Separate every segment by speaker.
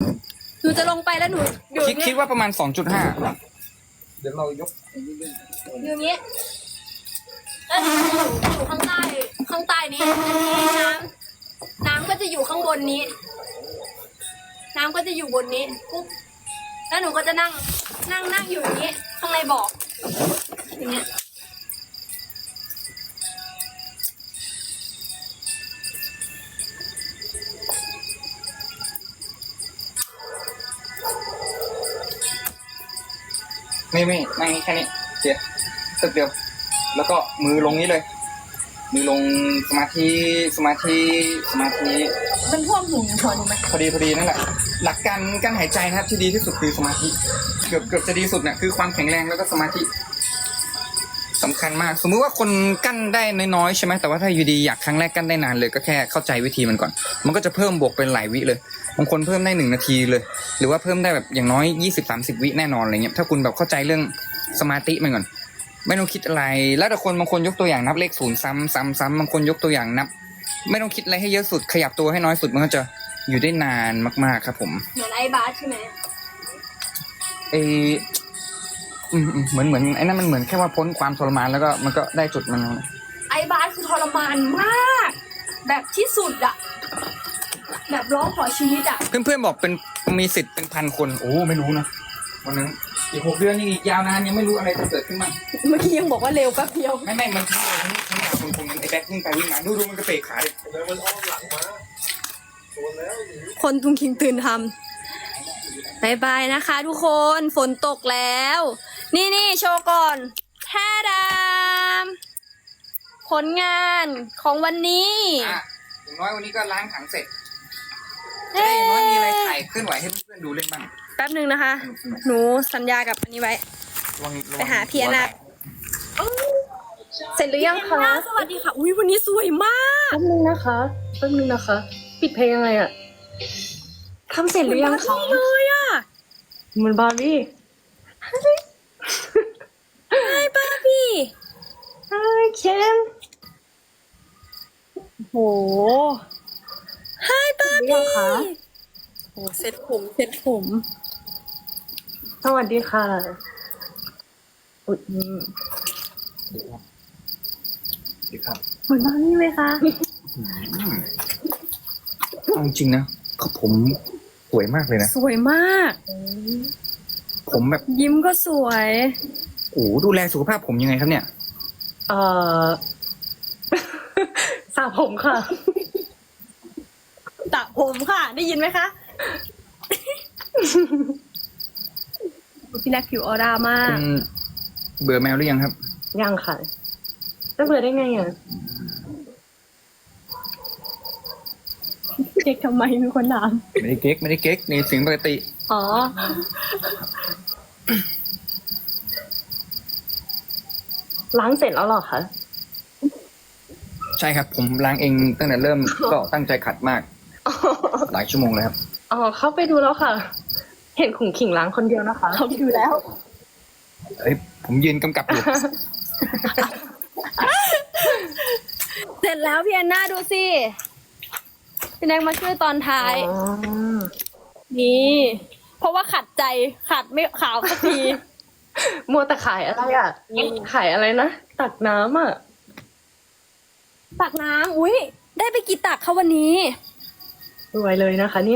Speaker 1: หนูจะลงไปแล้วหนูอยู่
Speaker 2: คิดว่าประมาณ 2.5 เดี๋ยวเรายก
Speaker 1: อยู่นี้แล้วหนูอยู่ข้างใต้นี้อันนี้น้ำก็จะอยู่ข้างบนนี้ น้ำก็จะอยู่บนนี้ปุ๊บแล้วหนูก็จะนั่งอยู่อย่างนี้ข้างในบ่ออย่างเงี้ย
Speaker 2: ไม่แค่นี้เดี๋ยวตึกเดียว แล้วก็มือลงนี้เลย มือลงสมาธิ
Speaker 1: มันท่วมหูหัวหนูไหม
Speaker 2: พอดีนั่นแหละ หลักการหายใจนะครับที่ดีที่สุดคือสมาธิ เกือบจะดีสุดเนี่ยคือความแข็งแรงแล้วก็สมาธิสำคัญมาก สมมุติว่าคนกั้นได้น้อยๆใช่ไหมแต่ว่าถ้าอยู่ดีอยากครั้งแรกกั้นได้นานเลยก็แค่เข้าใจวิธีมันก่อน มันก็จะเพิ่มบวกเป็นหลายวิเลยบางคนเพิ่มได้1 นาทีเลย หรือว่าเพิ่มได้แบบอย่างน้อย 20-30 วิแน่นอนอะไรเงี้ยถ้าคุณแบบเข้าใจเรื่องสมาธิมันก่อนไม่ต้องคิดอะไร แล้วแต่คนบางคนยกตัวอย่างนับเลข0ซ้ำบางคนยกตัวอย่างนับ ไม่ต้องคิดอะไรให้เยอะสุดขยับตัวให้น้อยสุดมันก็จะอยู่ได้นานมากๆครับผม
Speaker 1: เหมือนไอ้บาสใช่ไหม
Speaker 2: เหมือนไอ้นั่นมันเหมือนแค่ว่าพ้นความทรมานแล้วก็มันก็ได้จุดมัน
Speaker 1: ไอ้บาสคือทรมานมาก แบบที่สุดอะแบบร้องขอชีวิตอะ
Speaker 2: เพื่อนๆบอกเป็นมีสิทธิ์เป็น1,000 คนโอ้ไม่รู้นะวันนั้นอีก6 เดือนนี่อีกยาวนานยังไม่รู้อะไรจะเกิดขึ้นบ้าง
Speaker 1: เมื่อกี้ยังบอกว่าเร็วแป๊บเดียว
Speaker 2: ไม่มันทั้งยาวคนนั้นไอ้แบ็ควิ่งไปวิ่งมาดูมันกระเปกขาเลย
Speaker 3: แล้วมันอ้อมหลังมาโดนแล้ว
Speaker 1: คนทุงคิงตื่นทำบายบายนะคะทุกคนฝนตกแล้ว นี่โชว์ก่อนแท้ดามผลงานของวันนี้
Speaker 2: อย่างน้อยวันนี้ก็ล้างถังเสร็จจะได้อย่างน้อยมีอะไรถ่ายเคลื่อนไหวให้เพื่อนๆดูเล่นบ้าง
Speaker 1: แป๊บหนึ่งนะคะ หนูสัญญากับอันนี้ไว้ ไปหาพี่อนาเสร็จหรือยังคะสวัสดีค่ะ อุ้ยวันนี้สวยมาก
Speaker 4: แป๊บนึงนะคะ ปิดเพลงยังไงอะทำเสร็จหรือยังคะ
Speaker 1: เลยอ่ะ
Speaker 4: เหมือนบาร์บี้
Speaker 1: ไอ้ป้าพี่
Speaker 4: ไอ้เคน
Speaker 1: โหไอ้ป้า
Speaker 4: เรีย
Speaker 1: พี่
Speaker 4: งคะ
Speaker 1: โหเซ็ตผม
Speaker 4: สวัสดีค่ะอุ๊ย
Speaker 2: ดีครับ
Speaker 1: เหมือนบาร์บี้เลยค่ะ
Speaker 2: เอาจริงนะผมสวยมากเลยนะ
Speaker 1: สวยมาก
Speaker 2: ผมแบบ
Speaker 1: ยิ้มก็สวย
Speaker 2: โอ้ดูแลสุขภาพผมยังไงครับเนี่ย
Speaker 4: เอ่อ สระผมค่ะ
Speaker 1: ตะผมค่ะ ได้ยินไหมคะ พี่แน็กผิวออร่ามาก
Speaker 2: คุณเบื่อแมวหรือยังครับ
Speaker 4: ยังค่ะจะเบื่อได้ไงอะ
Speaker 1: เด็กทำไมมีคนถาม
Speaker 2: ไม่ได้เก๊กในเสียงปกติ
Speaker 1: อ๋อ
Speaker 4: ล้างเสร็จแล้วเหรอคะ
Speaker 2: ใช่ครับ ผมล้างเองตั้งแต่เริ่ม ก็ตั้งใจขัดมาก หลายชั่วโมงเลยครับ
Speaker 4: อ๋อ เข้าไปดูแล้วค่ะ เห็นขุงขิงล้างคนเดียวนะคะ
Speaker 1: เขาดูแล้ว
Speaker 2: เอ้ยผมยืนกำกับอยู่
Speaker 1: เสร็จแล้วพี่แอนนาดูสิ พี่แน็กมาช่วยตอนท้าย
Speaker 4: อ๋อ
Speaker 1: นี่ เพราะว่าขัดใจขัดไม่ขาวสักที
Speaker 4: มัวแต่ขายอะไรอ่ะ ขายอะไรนะ ตักน้ำอ่ะ
Speaker 1: ตักน้ำอุ้ยได้ไปกี่ตักคะวันนี้
Speaker 4: รวยเลยนะคะ เนี่ย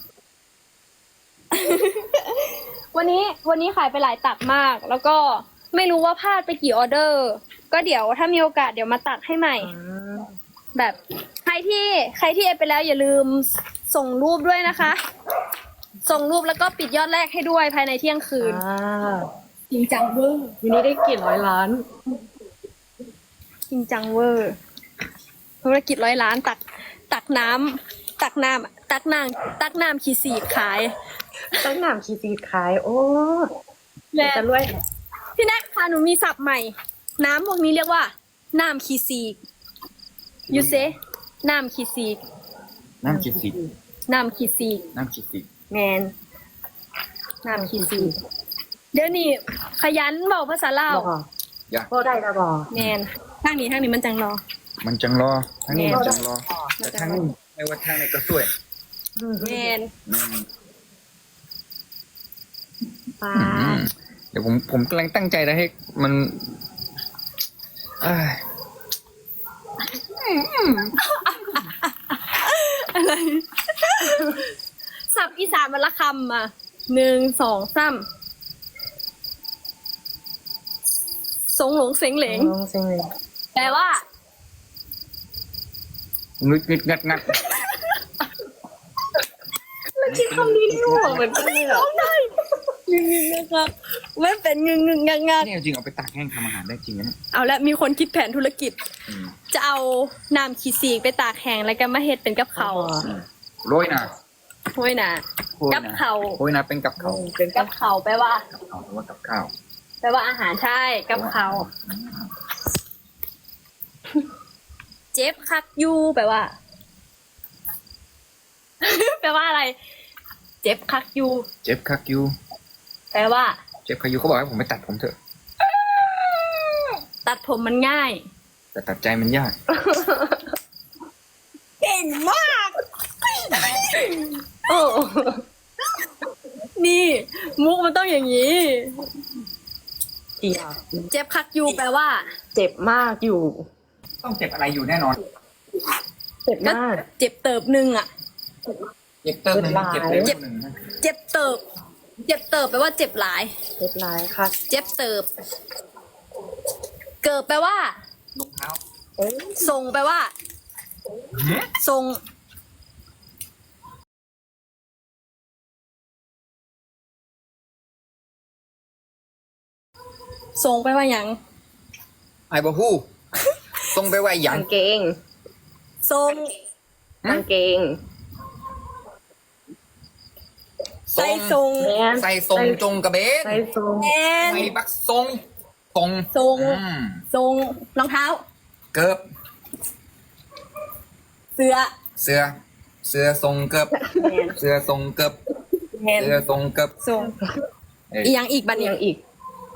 Speaker 1: วันนี้ขายไปหลายตักมาก แล้วก็ไม่รู้ว่าพลาดไปกี่ออเดอร์ ก็เดี๋ยวถ้ามีโอกาสเดี๋ยวมาตักให้ใหม่ แบบใครที่เอฟไปแล้วอย่าลืมส่งรูปด้วยนะคะ ส่งรูปแล้วก็ปิดยอดแรกให้ด้วยภายในเที่ยงคืน จริงจังเวอร์
Speaker 4: วันนี้ได้กี่ร้อยล้าน
Speaker 1: จริงจังเวอร์ธุรกิจ100 ล้านตักน้ำขีสีดขาย
Speaker 4: ตั้งหนามขีซีขาย โอ้
Speaker 1: และ
Speaker 4: จะรวย
Speaker 1: พี่แน็กค่ะหนูมีศัพท์ใหม่ น้ำพวกนี้เรียกว่า น้ำขีสีกยูเซน้ำขีสีก
Speaker 2: น้ำขีดสี
Speaker 1: น้ำขีสีก
Speaker 2: น้ำขีดสี
Speaker 1: แมนน้ำขีสีกเดี๋ยวนี้ขยันบอกภาษาลาว
Speaker 4: บอก
Speaker 2: อย่า
Speaker 4: ก็ได้ละบอก
Speaker 1: แมนทางนี้มันจังรอ
Speaker 2: มันจังรอทั้งนี้มันจังรอแต่ทั้งนี้ไม่ว่าทางไหนก็สวย
Speaker 1: แมน
Speaker 2: อืม
Speaker 4: ปลา
Speaker 2: เดี๋ยวผมกำลังตั้งใจนะให้มันเอ้ย
Speaker 1: อะไรสับอีสานมันละคำอ่ะ1 2 3สงหลงเซ็งเหลง
Speaker 4: ลองเซ็งเลย
Speaker 1: แปลว่า
Speaker 2: งึดงึดงัดงัด
Speaker 4: คิดคำนี้ไม่ออกเหมือนกันเลยอ่ะ
Speaker 1: งึงงงักงักไม่เป็นงึงงึงงักงัก
Speaker 2: เนี่ยจริงเอาไปตากแห้งทำอาหารได้จริงนะเนี่ย
Speaker 1: เอาละมีคนคิดแผนธุรกิจ
Speaker 2: อืม
Speaker 1: จะเอาน้ำขี้สีกไปตากแห้งแล้วก็มาเฮ็ดเป็นกับเขาว
Speaker 2: โรยนะ
Speaker 1: ห้วยนะ
Speaker 2: โรย
Speaker 1: กับ
Speaker 2: นะ
Speaker 1: เขาว
Speaker 2: โรยนะเป็นกับเขาว
Speaker 4: เป็น
Speaker 1: กับเขาวแปลว่า
Speaker 2: เอาแต่ว่ากับข้าว
Speaker 1: แปลว่าอาหารใช่กับเขาวเจ็บคักยูแปลว่า แปลว่าอะไร เจ็บคักยู
Speaker 2: เจ็บคักยู
Speaker 1: แปลว่า
Speaker 2: เจ็บคักยูเขาบอกให้ผมไปตัดผมเถอะ
Speaker 1: ตัดผมมันง่าย
Speaker 2: แต่ตัดใจมันยาก
Speaker 1: เก่งมาก โอ้ นี่ มุกมันต้องอย่างนี้
Speaker 4: เจียบ
Speaker 1: เจ็บคักยูแปลว่า
Speaker 4: เจ็บมากอยู่
Speaker 2: ต้องเจ็บอะไรอยู่แน่นอน
Speaker 4: เจ็บ
Speaker 1: ก็
Speaker 4: มาก
Speaker 1: เจ็บเติบหนึ่งอะ
Speaker 2: เจ็บเติมหนึ่งเจ็บเร็วหนึ่งนะ
Speaker 1: เจ็บเติบ เจ็บเติบแปลว่าเจ็บหลาย
Speaker 4: เจ็บร้ายค่ะ
Speaker 1: เจ็บเติบ เกิบแปลว่า
Speaker 2: รองเท้า
Speaker 4: เอ้ย
Speaker 1: ทรงแปลว่า ทรง ทรงแปลว่าหยัง
Speaker 2: ไอ้บะฮู้ตรงไปไว้หยั
Speaker 4: กาง งเกง
Speaker 1: ทรง
Speaker 4: กางเกง
Speaker 1: ใส่ทรง
Speaker 4: แมน
Speaker 2: ใส่ทรงจงกระเบน
Speaker 4: ใส่ทรง
Speaker 1: แอน
Speaker 2: ใส่บักทรงตรง
Speaker 1: ทรง
Speaker 2: อืม
Speaker 1: ทรงรองเท้า
Speaker 2: เกิบ
Speaker 1: เสื้อ
Speaker 2: เสื้อเสื้อทรงเกิบ
Speaker 1: แมน
Speaker 2: เสื้อทรงเกิบ
Speaker 1: แมน
Speaker 2: เสื้อทรงเกิบ
Speaker 1: ทรง
Speaker 2: เอ้ย
Speaker 1: อีหยังอีกบัด
Speaker 4: อ
Speaker 1: นี้
Speaker 4: ย่างอีก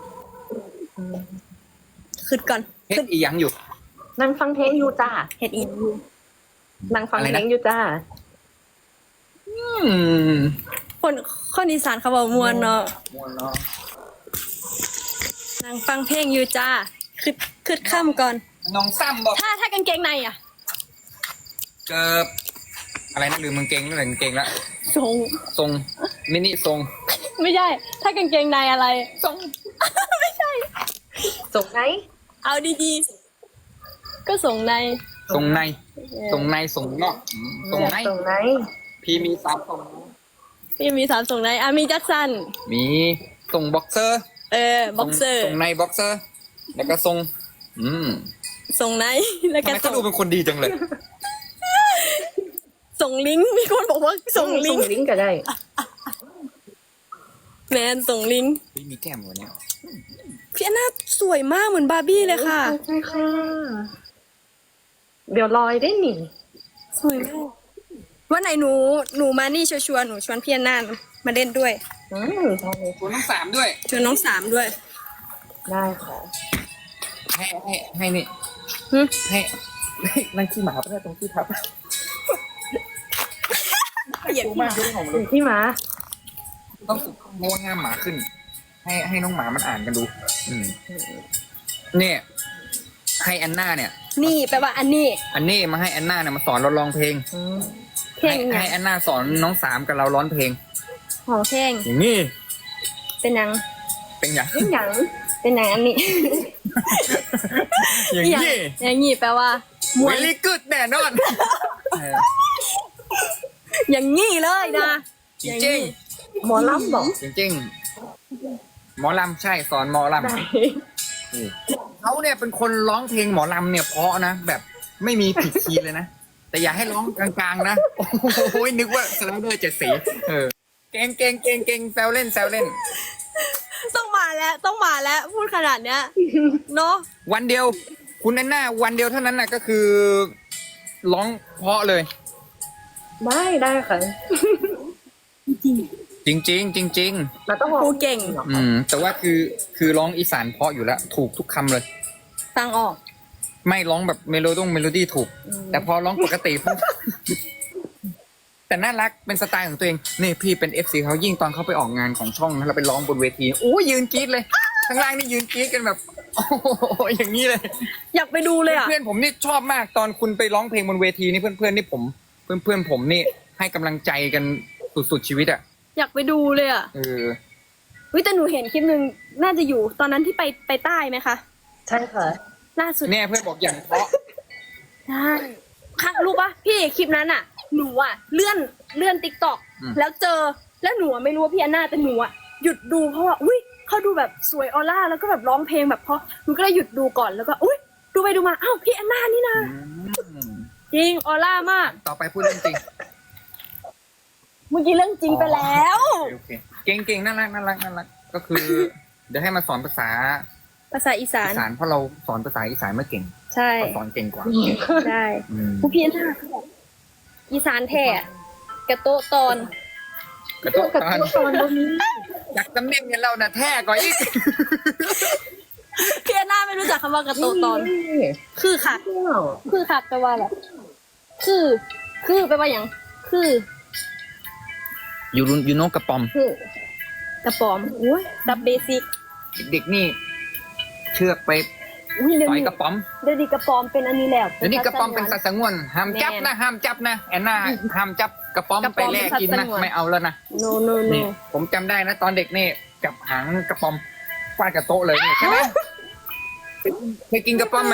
Speaker 1: ขึ้นก่อน
Speaker 2: เฮ็ดอีหยังอยู่
Speaker 4: นั่งฟังเพลงอยู่จ้า
Speaker 1: เฮ็ดอีก
Speaker 4: นั่งฟัง
Speaker 2: อะไร
Speaker 4: เพล
Speaker 2: นะ
Speaker 4: งอยู่จ้า
Speaker 2: อืม
Speaker 1: คนอีสานเขาบอกมวนเนาะ
Speaker 2: ม่วนเนาะ
Speaker 1: นั่งฟังเพลงอยู่จ้าขึ้นค่ำก่อน
Speaker 2: น้องซ้ำบอก
Speaker 1: ถ้ากางเกงในอ่ะ
Speaker 2: เกิบอะไรนะลืมกางเกงนั่นแหละกางเกงละ
Speaker 1: ทรง
Speaker 2: ทรงมินิทรง
Speaker 1: ไม่ใช่ ถ้ากางเกงในอะไร ทรง ไม่ใช่
Speaker 4: ส่งไหน
Speaker 1: เอาดีๆ ก็ส่งใน
Speaker 2: ทรงในทรงในทรงนอกทรงใน
Speaker 4: ส่งไหน
Speaker 2: พี่มีสามทรง
Speaker 1: พี่มี3ส่งในอ่ะมีแจ็คสัน
Speaker 2: มีทรงบ็อกเซอร์
Speaker 1: บ็อกเซอร์
Speaker 2: ทรงในบ็อกเซอร์ แล้วก็ทรง
Speaker 1: ส่งใน แล้ว
Speaker 2: ทำ
Speaker 1: ก็
Speaker 2: ไมเขาดูเป็นคนดีจังเลย
Speaker 1: ส่งลิงก์มีคนบอกว่าส่งลิงก์
Speaker 4: ลิงก์ก็ได้
Speaker 1: แมนส่งลิงก์
Speaker 2: พี่มีแก้มกว่านี้
Speaker 1: พี่อันน่าสวยมากเหมือนบาร์บี้เลยค่ะ
Speaker 4: ใช่ค่ะ เดี๋ยวลอยได้หนิ
Speaker 1: สวยมากวันไหนหนูมานี่ชัวร์ๆหนูชวนพี่อันน่ามาเล่นด้วย
Speaker 4: ได้เลย
Speaker 2: คุณทั้งสามด้วย
Speaker 1: ชวนน้อง3ด้วย
Speaker 4: ได้ค่ะ
Speaker 2: ให้นี่
Speaker 1: หึ
Speaker 2: ให้นั่งขี้หมาไปได้ตรงที่ทับ
Speaker 1: เหยียด
Speaker 2: ดูมากดูของ
Speaker 4: ถึงที่มา
Speaker 2: ต้องฝึกโน้ตห้ามหมาขึ้น ให้น้องหมามันอ่านกันดู เนี่ย ให้อันน่าเนี่ย
Speaker 1: นี่แปลว่าอันนี้
Speaker 2: อันนี้มาให้อันน่าเนี่ยมาสอนเราร้องเพลง
Speaker 1: เพลง
Speaker 2: ให้อันน่าสอนน้อง3กับเราร้องเพลง
Speaker 1: ของเพลง
Speaker 2: อย่างนี้
Speaker 1: เป็นหยัง
Speaker 2: เป็นอย่าง
Speaker 4: เป็นหยัง
Speaker 1: เป็นหยังอันนี้
Speaker 2: อย่างนี้
Speaker 1: อย่างนี้แปลว่ามวย
Speaker 2: very good แน่นอน
Speaker 1: อย่างนี้เลยนะ
Speaker 2: จริง
Speaker 4: หมอลำบอก
Speaker 2: ๆจริงๆหมอลำใช่สอนหมอลำ
Speaker 4: ได้
Speaker 2: เขาเนี่ยเป็นคนร้องเพลงหมอลำเนี่ยเพราะนะแบบไม่มีผิดคีย์เลยนะ แต่อย่าให้ร้องกลางๆนะ โอ้ยนึกว่าสไลเดอร์7 สีเก่งเก่งเก่งเก่งแซวเล่นแซวเล่น
Speaker 1: ต้องมาแล้วพูดขนาดเนี้ยเนาะ
Speaker 2: วันเดียว คุณแอนนาวันเดียวเท่านั้นน่ะก็คือร้องเพราะเลย
Speaker 4: ได้ค่ะ
Speaker 2: จริงๆจริง
Speaker 4: เราต้อง
Speaker 1: ครูเก่ง
Speaker 2: แต่ว่าคือร้องอีสานเพราะอยู่แล้ว ถูกทุกคำเลย
Speaker 1: ฟังออก
Speaker 2: ไม่ร้องแบบเมโลดี้ถูก แต่พอร้องปกติปุ๊บแต่น่ารักเป็นสไตล์ของตัวเองนี่พี่เป็น FC เขายิ่งตอนเขาไปออกงานของช่องนะเราไปร้องบนเวทีโอ้ยืนกรี๊ดเลยข้างล่างนี่ยืนกรี๊ดกันแบบโอ้โหอย่างนี้เลย
Speaker 4: อยากไปดูเลยอ่ะ
Speaker 2: เพื่อนผมนี่ชอบมากตอนคุณไปร้องเพลงบนเวทีนี่เพื่อนๆนี่ผมเพื่อนๆผมนี่ให้กำลังใจกันสุดๆชีวิตอ่ะ
Speaker 4: อยากไปดูเลยอ่ะ
Speaker 2: เออ
Speaker 1: วิแต่หนูเห็นคลิปหนึ่งน่าจะอยู่ตอนนั้นที่ไปใต้ไหมคะ
Speaker 4: ใช่ค่ะ
Speaker 1: ล่าสุด
Speaker 2: เนี่ยเพื่อนบอกอย่างเพราะ
Speaker 1: ใช่ค่ะรู้ปะพี่คลิปนั้นอ่ะ หนูอ่ะเลื่อนติ๊กต็อกแล้วเจอแล้วหนูอะไม่รู้ว่าพี่อันนาแต่หนูอ่ะหยุดดูเพราะว่าอุ้ยเขาดูแบบสวยออร่าแล้วก็แบบร้องเพลงแบบเพราะหนูก็เลยหยุดดูก่อนแล้วก็อุ้ยดูไปดูมาอ้าวพี่อันนานี่นะ
Speaker 2: อืม
Speaker 1: จริงออร่ามาก
Speaker 2: ต่อไปพูดเรื่องจริง
Speaker 1: เมื่อกี้เรื่องจริงไปแล้ว
Speaker 2: โอเคเก่งๆน่ารักก็คือ เดี๋ยวให้มาสอนภาษา
Speaker 1: ภาษาอีสาน
Speaker 2: อีสานเพราะเราสอนภาษาอีสานไม่เก่ง
Speaker 1: ใช่
Speaker 2: เขาสอนเก่งกว่า
Speaker 1: ใช่
Speaker 2: อืม
Speaker 1: ผู้พี่อันนาเขาบอกอีสานแท้กระโตะตอน
Speaker 2: กระโดด
Speaker 4: กับ
Speaker 2: ตอน
Speaker 4: ตอนนี้
Speaker 2: อยากตำแหน่งเนี่ยเราน่ะแท้กว่าอีก
Speaker 1: พี่อันนาไม่รู้จักคำว่ากระโตะตอน คือค่ะ คือค่ะแปลว่าอะไรคือแปลว่าอย่างคือ
Speaker 2: ยูโนกระปอม
Speaker 1: คือกระป๋อมอุ้ยดับเบสิก
Speaker 2: เด็กนี่ เชือกไป
Speaker 1: อุ้ยเดี๋ยว
Speaker 2: ต่อย
Speaker 1: นี้
Speaker 2: กระป๋อม
Speaker 1: เดี๋ยวนี้กระป๋อมเป็นอันนี้แล้ว
Speaker 2: เดี๋ยวนี้กระป๋อมเป็นสัตว์สงวนห้ามจับนะห้ามจับนะแอนนาห้ามจับกระป๋อมไปแลกกินนะไม่เอาแล้วนะ
Speaker 1: โนโนโน
Speaker 2: นี่ผมจำได้นะตอนเด็กนี่จับหางกระป๋อมฟาดกับโต๊ะเลยนี่ใช่ไหมเคยกินกระป๋อมไหม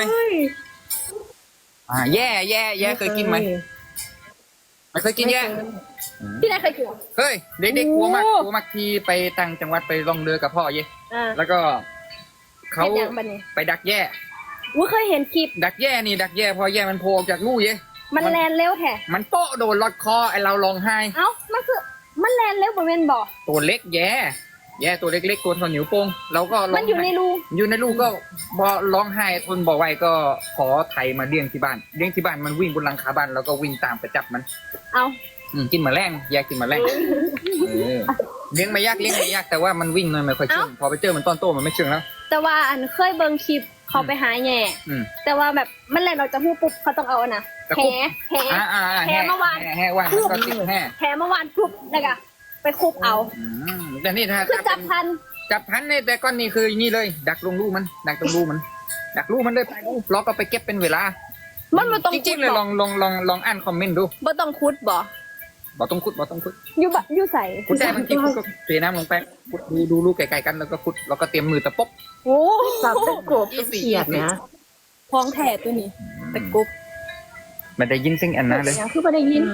Speaker 2: แย่เคยกินไหมไม่เคยกินแย่
Speaker 1: พี่นายเคยกินเหรอ
Speaker 2: เฮ้ยเด็กๆกลัวมาก
Speaker 1: โอ้
Speaker 2: กลัวมากที่ไปต่างจังหวัดไปล่องเรือกับพ่อเย่
Speaker 1: อ่า
Speaker 2: แล้วก็เขา
Speaker 1: เป็นอย่างบัดนี้
Speaker 2: ไปดักแย่
Speaker 1: อุ้ยเคยเห็นคลิป
Speaker 2: ดักแย่พอแย่มันโผล่ออกจากรูเย่
Speaker 1: มันแลนเร็วแท้
Speaker 2: มันโป๊ะโดนลอดคอไอเราร้องไห้
Speaker 1: เอ้ามันคือมันแลนเร็วบ่แม่นบ่
Speaker 2: ตัวเล็กแย่ตัวเล็กๆตัวเท่านิ้วโป้งเราก็ร้อง
Speaker 1: มันอยู่ใน
Speaker 2: ไห้
Speaker 1: รู
Speaker 2: อยู่ในลูกก็พอร้องไห้ทนบอกไว้ก็ขอไถมาเลี้ยงที่บ้านมันวิ่งบนหลังคาบ้านแล้วก็วิ่งตามไปจับมัน
Speaker 1: เอา
Speaker 2: กินแมลงแยกกินแมลงเลี้ยงไม่ยากแต่ว่ามันวิ่งมันไม่ค่อยเชื่องพอไปเจอมันตอนโตมันไม่เชื่องแล้ว
Speaker 1: แต่ว่าอันเคยเบิ่งคลิปเขาไปหาแหน่
Speaker 2: อืม
Speaker 1: แต่ว่าแบบมันแลนออกจากหูปุ๊บเขาต้องเอาอันน่ะ
Speaker 2: ตะ
Speaker 1: แห
Speaker 2: คุบ
Speaker 1: แห
Speaker 2: แห่
Speaker 1: เมื่อวาน
Speaker 2: แห่ว่านก็ติดแห่
Speaker 1: แหเมื่อวานปุ๊บแล้วก็ไปคุบเอา
Speaker 2: แต่นี่ถ้า
Speaker 1: คือจับทัน
Speaker 2: จับพันเนี่ยแต่ก้อนนี้คืออย่างนี้เลย ดักลงลูกมันดักลูกมันเลยไปลูกล็อกเอาไปเก็บเป็นเวลา
Speaker 1: มันบ่ต้อง
Speaker 2: จริงๆเลยลองอ่านคอมเมนต์ดู
Speaker 1: บ่ต้องคุดบ่
Speaker 2: บ่ต้องคุด
Speaker 1: อยู่ใส่
Speaker 2: คุดได้บางทีคุดก็เทน้ำลงไปคุดดูลูกไก่ๆกันแล้วก็คุดแล้วก็เตรียมมือตะปบ
Speaker 1: โอ้
Speaker 4: สับเป็นกบเป็นเขียดนะ
Speaker 1: พองแท้ตัวนี้ตะกุบ
Speaker 2: มันได้ยินเสียงอันนั้นเลย
Speaker 1: อย่างคือบ่ได้ยิน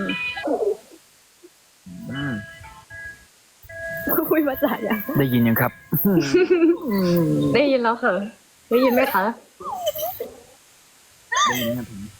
Speaker 2: อืม
Speaker 1: คุยภาษาอย่าง
Speaker 2: ได้ยินยังครับ
Speaker 4: ได้ยินแล้วค่ะ ได้ยินไหมคะ
Speaker 2: ได้ยินครับผม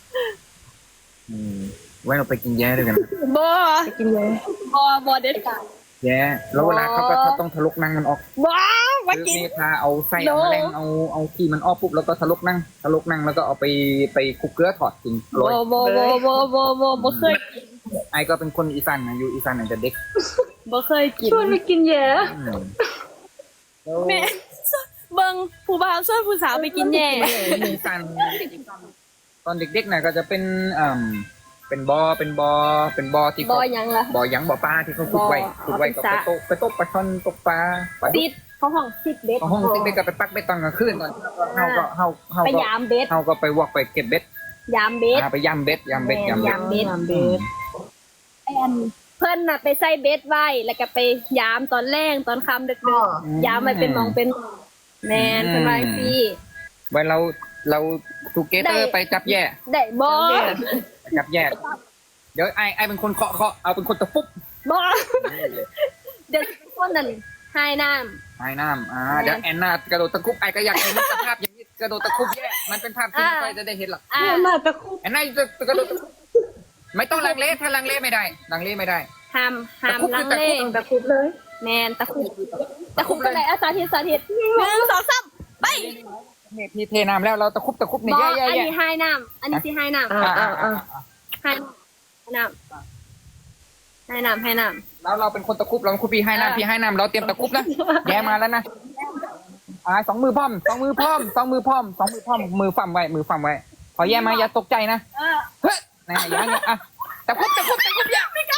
Speaker 2: ไว้เราไปกินแย่ด้วยกัน
Speaker 1: บ่
Speaker 4: ไปกินเลย
Speaker 1: บ่เด็ดขาด
Speaker 2: แย่แล้วเวลาเขาก็ต้องทะลุนั่งมันออก
Speaker 1: บ่มา
Speaker 2: คือ
Speaker 1: กิน
Speaker 2: เมทาเอาไส้เอาแมลงเอาขี้มันออกปุ๊บแล้วก็ทะลุนั่งแล้วก็เอาไปคลุกเกลือถอดกินโรย
Speaker 1: บ่เคย
Speaker 2: ไอ้ก็เป็นคนอีสานนะอยู่อีสานตั้งแต่เด็ก
Speaker 1: บ่เคยกิน
Speaker 4: ชวนไปกินแย่
Speaker 2: แล้ว
Speaker 1: แม่เบิ่งผู้บ่าวชวนผู้สาวไปกินแหน่
Speaker 2: อีสานตอนเด็กๆน่ะก็จะเป็นเป็นบอที่
Speaker 1: บ่
Speaker 2: เขา
Speaker 1: หยังล่ะ
Speaker 2: บ่อยังบ่อปลาที่เขาขุดไว้
Speaker 1: บ่อ
Speaker 2: ก็
Speaker 1: เอาไป
Speaker 2: ไปตกปลาช่อนตกปลาดุ
Speaker 1: ติดเขาห้องติดเบ็ด
Speaker 2: ห้องติ๊กก็ไปปักเบ็ดตอนกลางคืนตอนเฮา
Speaker 1: ไป
Speaker 2: ก็
Speaker 1: ยามเบ็ด
Speaker 2: เฮาก็ไปวอกไปเก็บเบ็ด
Speaker 1: ยามเบ็ด
Speaker 2: ไปย่ำเบ็ด
Speaker 1: ยามเบ็ด
Speaker 4: ยามเบ็ด
Speaker 1: แอนเพิ่นน่ะไปใส่เบ็ดไว้แล้วก็ไปยามตอนแรงตอนค่ำดึกๆยามมันเป็นหมองเป็นแมนเพิ่นว่าสิ
Speaker 2: ไว้เราทูเกเตอร์ไปจับแย่
Speaker 1: ได้บ่
Speaker 2: จับแย่เดี๋ยวไอ้เป็นคนเคาะเอาเป็นคนตะปุ๊บ
Speaker 1: บ่เดี๋ยวคนนั้นหายน้ำ
Speaker 2: ไอ้น้ำเดี๋ยวแอนนากระโดดตะคุบไอ้ก็อยากเห็นสภาพอย่างนี้กระโดดตะคุบแย่มันเป็นภาพที่ไม่ค่อยจะได้เห็นหรอก
Speaker 4: น่าจะคุบ
Speaker 2: แอนนาจะกระโดดตะคุบไม่ต้องลังเลถ้าลังเลไม่ได้
Speaker 1: ห้ามลังเล
Speaker 4: ตะคุบเลย
Speaker 1: แมนตะคุบกันไหนสาธิต1 2 3ไป
Speaker 2: นี่พี่เทน้ำแล้วเราตะคุบนี่
Speaker 1: บ่
Speaker 2: แย่
Speaker 1: อันนี้หายน้ำอันนี้สิหายน้ำ ให้น้ำ
Speaker 2: แล้วเราเป็นคนตะคุบเราคุบพี่ให้น้ำพี่ให้น้ำเราเตรียมตะคุบนะแย่มาแล้วนะสองมือพร้อมมือฟั่มไว้พอแย่มาอย่าตกใจนะเฮ้ยอย่างเงี้ยตะคุบแย่ไม่กล้า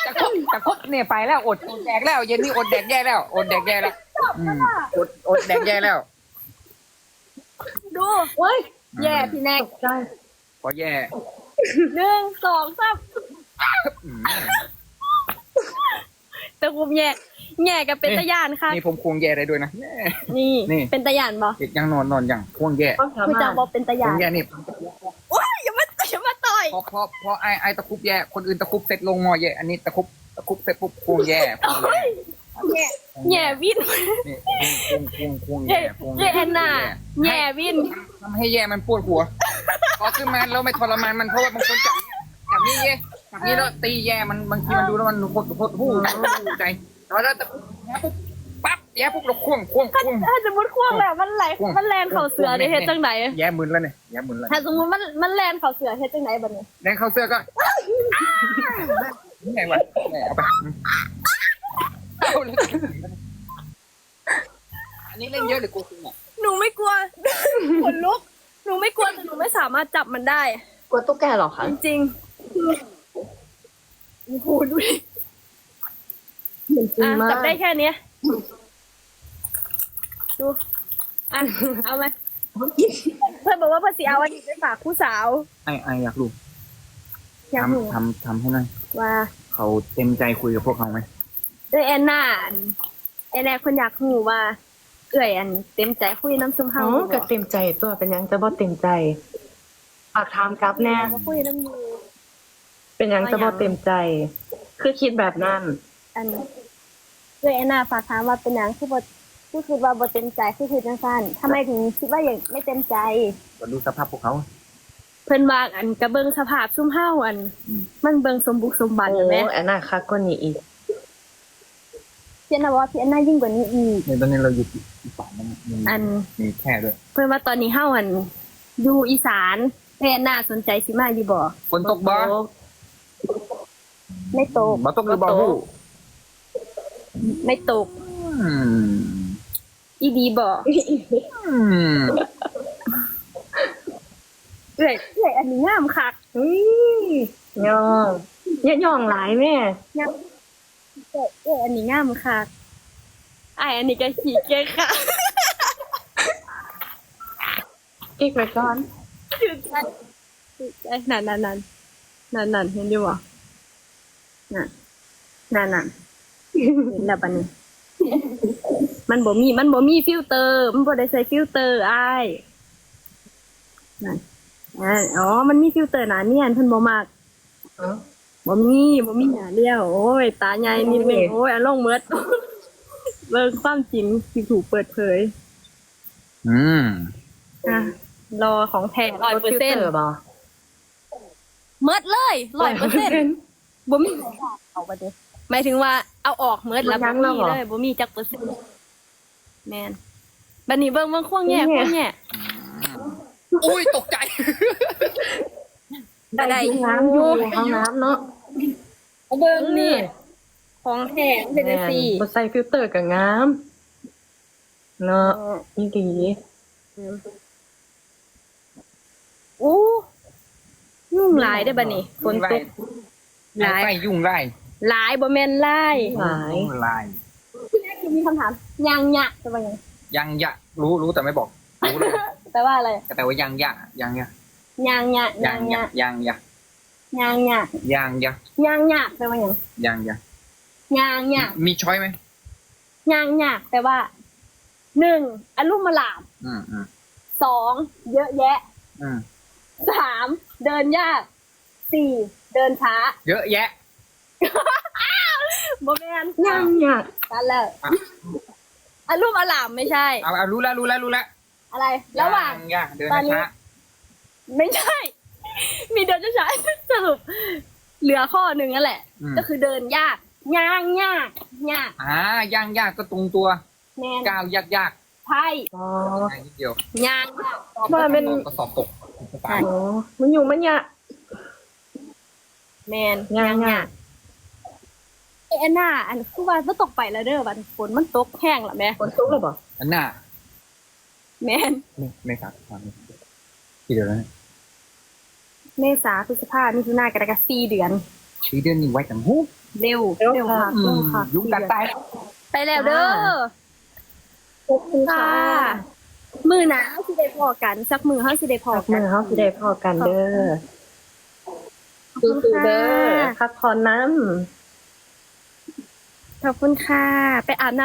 Speaker 2: จะครบเนี่ยไปแล้วอดแดกแล้วเย็นนี้อดแดกแย่แล้วอดแดกแย่แล้วอดแดกแย่แล้ว
Speaker 1: ดู
Speaker 4: เว้ย
Speaker 1: แย่พี่แน็ก
Speaker 4: ตกใจ
Speaker 2: พอแย่
Speaker 1: 1 2 3ตะคุบแย่กับเป็นตะยานค่ะ
Speaker 2: นี่ผมควงแย่ได้ด้วยนะ
Speaker 1: นี่
Speaker 2: นี่
Speaker 1: เป็นตะยานบ่
Speaker 2: เด็กยังนอนอย่างควงแย่
Speaker 4: ต้องถาม
Speaker 1: คุณ
Speaker 4: มา
Speaker 1: จะบอกเป็นตะ
Speaker 2: คว
Speaker 1: ยาง น
Speaker 2: แย่นี่
Speaker 1: โอ้ยอย่ามาต่อย
Speaker 2: พอไอตะคุบแย่คนอื่นตะคุบเสร็จลงมอแย่อันนี้ตะคุบเสร็จปุ๊บควงแย่
Speaker 1: แย่วิน
Speaker 2: นี่ควงแย่ควง
Speaker 1: แย่แอนนาแย่วิน
Speaker 2: ทำให้แย่มันปวดหัวพอขึ้นมาแล้วไม่ทรมานมันเพราะว่าบางคนจับนี่แย่จับนี่แล้วตีแย่มันบางทีมันดูแล้วมันโคตรหูใจแล้วตะคุบปั๊บแย่ปุ๊บเราควง
Speaker 1: ถ้าสมมติควงแล้วมันแลนเข่าเสือได้เฮ็ดจังไหน
Speaker 2: แย่มึนแล้วเนี่ยแย่มึนแล้ว
Speaker 1: ถ้าสมมติมันแลนเข่าเสือเฮ็ดจังไหนบัดนี้
Speaker 2: แดงเข้าเสื้อก็นี่ไงวะเอาไปอันนี้เล่นเยอะหรือกลัวคุณอ่ะ
Speaker 1: หนูไม่กลัว ขนลุก หนูไม่กลัวแต่หนูไม่สามารถจับมันได้
Speaker 4: กลัวตุ๊กแกเหรอคะ
Speaker 1: จริงๆโอ้โหดูดิ
Speaker 4: เหมือนจริง
Speaker 1: อ่ะ
Speaker 4: มาก
Speaker 1: จับได้แค่เนี้ยดูอ่ะเอาไหมเพื่อนบอกว่าภาษีเอาอันนี้ไปฝากผู้สาว
Speaker 2: ไออยากรู้
Speaker 1: อยากรู้
Speaker 2: ทำให้หน่อย
Speaker 1: ว่า
Speaker 2: เขาเต็มใจคุยกับพวกเขาไหม
Speaker 1: แอนนาแอนนาคนอยากรู้ว่าเอื่อยอันเต็มใจคุยน้ำซุมเฮา
Speaker 4: อ๋อก็เต็มใจตัวเป็นยังจะบ่เต็มใจฝากถามกลับแน่
Speaker 1: มาคุยน้ำยู
Speaker 4: เป็นยังจะบ่เต็มใจ คือคิดแบบนั้น
Speaker 1: อันเอื่อยแอนนาฝากถามว่าเป็นหยังคือบ่คิดว่าบ่เต็มใจคือจังซั่นทำไมถึงคิดว่าอย่างไม่เต็มใจ
Speaker 2: ก็ดูสภาพพวกเขา
Speaker 1: เพิ่นว่าอันกระเบิงสภาพซุ่มเฮาอัน มันเบิงสมบุกสมบัน
Speaker 4: โอ้
Speaker 1: เห็นไหม
Speaker 4: แอนนาคักกว่านี้อีก
Speaker 1: พี่แอนนาว่าพี่แอนนายิ่งกว่านี้อีก
Speaker 2: ในตอนนี้เราอยู่อีสานมัน
Speaker 1: อัน
Speaker 2: มีแค่ด้วย
Speaker 1: เพิ่นว่าตอนนี้เฮาอันอยู่อีสานพี่แอนนาสนใจสิมาอยู่บ่
Speaker 2: ฝนตกบ่
Speaker 1: ไม่ตก
Speaker 2: บ่ตกหรือบ่ฮู้
Speaker 1: ไม่ตก
Speaker 2: อืม
Speaker 1: อีดีบ่
Speaker 2: อืม
Speaker 1: เอ้ยอันนี้งามคัก
Speaker 4: อุ้ยย่องอย่าย่องหลายแม่
Speaker 1: งามเอ้ยอันนี้งามคักอ้ายอันนี้ก็ขี้เกียจค่ะ
Speaker 4: อีกไปก่อน
Speaker 1: ถึกใจนั่นเห็นอยู่บ่นั่นเห็นแล้วบัดนี้ มันบ่มีฟิลเตอร์ มันบ่ได้ใส่ฟิลเตอร์อ้ายนั่นอ๋อ มันมีฟิลเตอร์หนาเนียนเพิ่นบ่มัก
Speaker 4: เอ้า
Speaker 1: บ่มีหนาเลี้ยว โอ้ย ตาใหญ่นิดนึงโอ้ยอารมณ์เมิด เบิ่งความจริงที่ถูกเปิดเผย
Speaker 2: อืม
Speaker 1: อ่ะรอของแท้
Speaker 4: ฟิลเตอร์
Speaker 1: 100%
Speaker 4: บ่
Speaker 1: เมิดเลย100%บ่มีเอาบ่เด้หมายถึงว่าเอาออกเมิดแล้วบ่มีเลยบ่มีจักเปอร์เซ็นต์แม่นบัดนี้เบิ่งควงแย่
Speaker 2: อุ้ยตกใจ
Speaker 1: ได้
Speaker 4: ห้องน้ำอยู่ห้องน้ำเนาะ
Speaker 1: เบิ่งนี่ ของแท้เป็นจังซี่
Speaker 4: บ่ใส่ฟิลเตอร์ก็งามเนาะอีหลี
Speaker 1: อู้ยุ่งหลายได้อบัดนี้ฝนตกหลาย
Speaker 2: ไล่ยุ่งไล่
Speaker 1: หลายบ่แม่นหลาย
Speaker 4: หลาย
Speaker 2: ไล่
Speaker 1: พี่แรกมีคำถามยังยะจะว่าหยัง
Speaker 2: ยังยะรู้แต่ไม่บอกรู้เลย
Speaker 1: แปลว่าอะไร
Speaker 2: แต่ว่ายังยะ
Speaker 1: ยังยะ
Speaker 2: ยังยะ
Speaker 1: ยังยะ
Speaker 2: ยังยะ
Speaker 1: ยังยะ
Speaker 2: ยังยะ
Speaker 1: ยังยะแปลว่าหยัง
Speaker 2: ยังยะ
Speaker 1: ยังยะ
Speaker 2: มีช้อยไหม
Speaker 1: ยังยะแปลว่า1อลุ่มมาหลาม
Speaker 2: อืม
Speaker 1: 2เยอะแยะ
Speaker 2: อืม
Speaker 1: 3เดินยาก4เดินช้า
Speaker 2: เยอะแยะ
Speaker 1: บ่แม่น
Speaker 4: ยังอยาก
Speaker 1: กันแล้วอลุ่มอลามไม่ใช่
Speaker 2: เอารู้แล้ว
Speaker 1: อะไร ระหว่าง
Speaker 2: ยะเดิน
Speaker 1: ตอนนี้
Speaker 2: ช้า
Speaker 1: ไม่ใช่ มีเดินช้าๆสรุปเหลือข้อหนึ่งนั่นแหละ ก็คือเดินยากย่างยากยาก
Speaker 2: ยังยากก็ตรงตัว
Speaker 1: แมน
Speaker 2: ก้าวยาก
Speaker 1: ใช่
Speaker 4: อ๋อ
Speaker 2: ง่ายนิดเดียว
Speaker 1: ย่างยาก
Speaker 4: ว่าเป็น
Speaker 2: ก็สอบตก
Speaker 1: ใช่
Speaker 4: โอ้มันอยู่มันยะ
Speaker 1: แมน
Speaker 4: ย่างยาก
Speaker 1: แอนนาอันคือว่ามันตกไปแล้วเด้อบัดฝนมันตกแห้งละแม่
Speaker 4: ฝนตกหรือเปล่า
Speaker 2: อันน่ะ
Speaker 1: แมน
Speaker 2: ไม่ครับกี่เดือนแล้วเนี่ย
Speaker 1: เมษาพฤษภามิถุนากรกฎาคม4 เดือน
Speaker 2: 4 เดือนนี่ไว้จังหู
Speaker 1: เร็ว
Speaker 4: เร็วค่ะเร็วค่ะ
Speaker 2: ยุงกัดตายแล้ว
Speaker 1: ไปแล้วเด้อ
Speaker 4: ขอบคุณค่ะ
Speaker 1: มือหนาเฮาสิได้พอกัน สักมือเฮาสิได้พอ
Speaker 4: พัก
Speaker 1: กั
Speaker 4: มื
Speaker 1: น
Speaker 4: อเฮาสิได้พอกันเด้อ
Speaker 1: ขอบคุณ
Speaker 4: สู้ๆ
Speaker 1: ค่ะ
Speaker 4: เด้อพักผ่อนน้ำ
Speaker 1: ขอบคุณค่ะ ไปอาบน้ำ